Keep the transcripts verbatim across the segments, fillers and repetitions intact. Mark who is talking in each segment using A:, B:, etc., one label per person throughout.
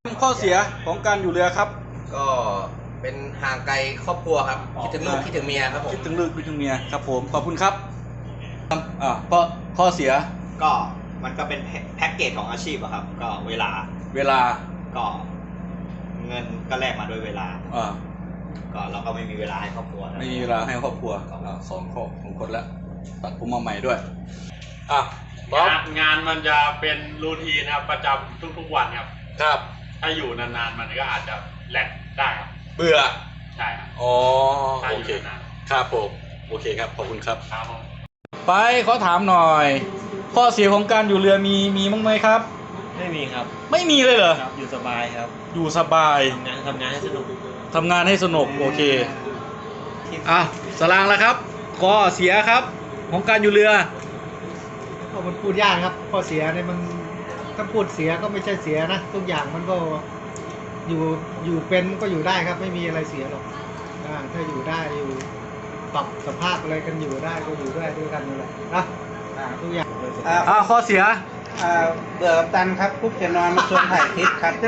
A: ข้อเสียของการอยู่เรือครับ
B: ก็เป็นห่างไกลครอบครัวครับคิดถึงลูกคิดถึงเมียครับผม
A: คิดถึงลูกคิดถึงเมียครับผมขอบคุณครับอ่าข้อข้อเสีย
C: ก็มันก็เป็นแพ็กเกจของอาชีพอะครับ ก็เวลา
A: เวลา
C: ก็เงินก็แลกมาด้วยเวลา
A: อ่า
C: ก็เราก็ไม่มีเวลาให้ครอบครัวนะ
A: ไม่มีเวลาให้ครอบครัวอ่าสองข้อของคนละตัดผมมาใหม่ด้วยอ่ะบ๊อบ
D: งานงานมันจะเป็นรูทีนครับประจำทุกๆวันครับ
A: ครับ
D: ถ้าอยู่นานๆมันก็อาจจะแหลกได้ครับ
A: เบื่อ
D: ใช่ครับ
A: อ๋อ
D: ถ้า
A: โอ
D: อยู่
A: เคน
D: าน
A: ครับผมโอเคครับขอบคุณครับ
D: ๆครับผม
A: ไปขอถามหน่อย ข้อเสียของการอยู่เรือมีมีมั้งไหมครับ
E: ไม่มีครับ
A: ไม่มีเลยเหรอ
E: ครับ อยู่สบายครับ
A: อยู่สบาย
E: ทำงานทำงานให้สนุก
A: ทำงานให้สนุกโอเคอ่ะสลางแล้วครับข้อเสียครับของการอยู่เรือ
F: ก็มันพูดยากครับข้อเสียเนี่ยมันถ้าพูดเสียก็ไม่ใช่เสียนะทุกอย่างมันก็อยู่อยู่เป็นก็อยู่ได้ครับ ไม่มีอะไรเสียหรอกอ่าถ้าอยู่ได้อยู่ปรับสภาพอะไรกันอยู่ได้ก็อยู่ได้ด้วยกันนั่นแหละนะอ่าทุกอย่าง
A: อ่าข้อเสีย
G: อ่าเบื่อกับตันครับปุ๊บจะนอนมาชวนถ่ายคลิปครับ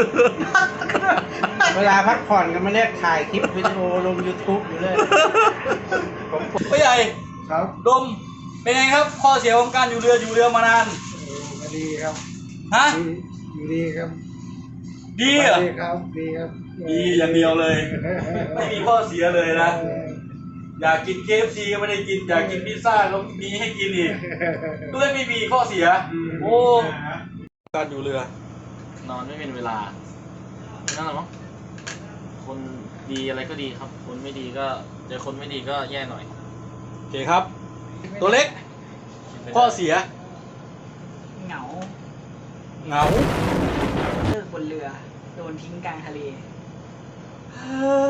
G: เวลาพักผ่อนก็มาเรียกถ่ายคลิปวิดีโอลง YouTube อยู่เลย
A: พ่อใหญ่
F: ครับ
A: ดมเป็นไงครับ ข้อเสียของการอยู่เรืออยู่เรือมานาน
F: ก็ดีครับ
A: ฮะ
F: ดีอยู่ดีครับ
A: ดีเหรอ
F: ดีครับดีครับ
A: ดีอย่างเดียวเลย ไม่มีข้อเสียเลยนะ อยากกิน เค เอฟ ซี ก็ไม่ได้กินอยากกินพิซซ่าก็มีให้กินอีกด้วยไม่มีข้อเสียโอ้การอยู่เรือน
E: อนไม่เป็นเวลานั่นแหละมั้งคนดีอะไรก็ดีครับ คนไม่ดีก็เจอคนไม่ดีก็แย่หน่อย
A: โอเคครับ ตัวเล็ก ข้อเสีย
H: เหงา
A: เหงา
H: เลิกบนเรือ โดนทิ้งกลางทะเล
A: เฮ้